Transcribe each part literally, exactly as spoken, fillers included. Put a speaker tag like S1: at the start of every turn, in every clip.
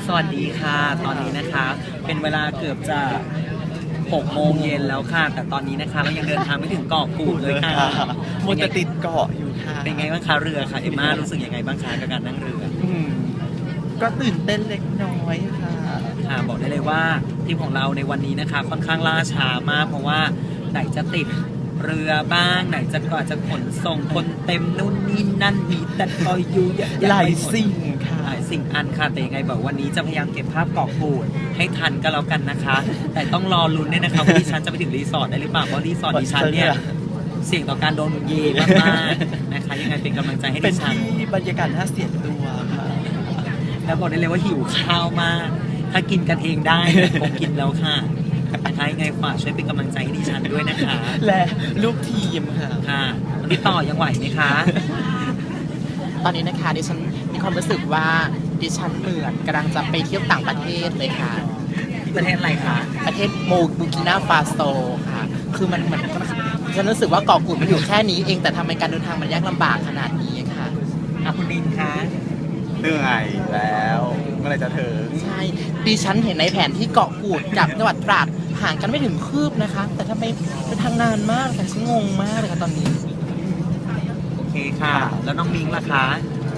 S1: วัสดีค่ะตอนนี้นะคะเป็นเวลาเกือบจะหกโมงเย็นแล้วค่ะแต่ตอนนี้นะคะเรายังเดินทางไม่ถึงเกาะกูดเลยค่ะ
S2: มันจะติดเกาะอยู่ค่ะ
S1: เป็นไงบ้างคะเรือค่ะเอมม่ารู้สึกยังไงบ้างคะกับการนั่งเรือ
S2: อืมก็ตื่นเต้นเล็กน้อยค่ะ
S1: ค่ะบอกได้เลยว่าทีมของเราในวันนี้นะคะค่อนข้างล่าช้ามากเพราะว่าไหนจะติดเรือบ้างไหนจะก่อนจะขนส่งคนเต็มนู่นนี่นั่นมีแต่คอยอยู่
S2: หลายสิ่งค่ะ
S1: หลายสิ่งอันค่ะแต่ยังไงบอกวันนี้จะพยายามเก็บภาพเกาะกูดให้ทันก็แล้วกันนะคะ แต่ต้องรอลุ้นด้วยนะคะว่าดิฉันจะไปถึงรีสอร์ทได้หรือเปล่าเพราะรีสอร์ทดิฉันเนี่ยเสี่ยงต่อการโดนเยมากๆนะคะยังไงเป็นกำลังใจให้ดิฉัน
S2: เป็นที่บรรยากาศน่าเสียตัวค่ะ
S1: แล้วบอกได้เลยว่าหิวข้าวมากถ้ากินกันเองได้คงกินแล้วค่ะนะคะยังไงฝากช่วยเป็นกำลังใจให้ดิฉันด้วยนะคะ
S2: และลูกทีมค่ะ
S1: ค่ะวันนี้ต่อยังไหวไหมคะ
S2: ตอนนี้นะคะดิฉันมีความรู้สึกว่าดิฉันเหมือนกำลังจะไปเที่ยวต่างประเทศเลยค่ะ
S1: ประเทศอะไรคะ
S2: ประเทศโมบูกินาฟาโซค่ะคือมันเหมือนฉันรู้สึกว่าเกาะกูดมันอยู่แค่นี้เองแต่ทำไมการเดินทางมันยากลำบากขนาดนี้ค่ะ
S1: อ่ะคุณดินคะ
S3: เหนื่อยแล้วเมื่อไรจะถึง
S2: ใช่ดิฉันเห็นในแผนที่เกาะกูดกับจังหวัดตราดห่างกันไม่ถึงคืบนะคะแต่ทำไมเป็นทางนานมากแต่ฉันงงมากเลยค่ะตอนนี้
S1: โอเคค่ะแล้วน้องมิงล่ะคะ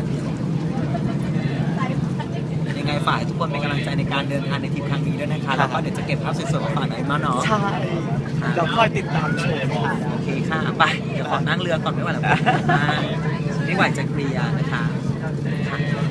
S1: ยังไงฝ่ายทุกคนเป็นกำลังใจในการเดินทางในทริปครั้งนี้ด้วยนะคะแล้วก็เดี๋ยวจะเก็บภาพสวยๆมาฝากไอ้มาเนาะ
S2: ใช่เราคอยติดตามชม
S1: โอเคค่ะไปเดี๋ยวขอนั่งเรือก่อนไม่ไหวแล้วไม่ไหวจะเคลียร์นะคะ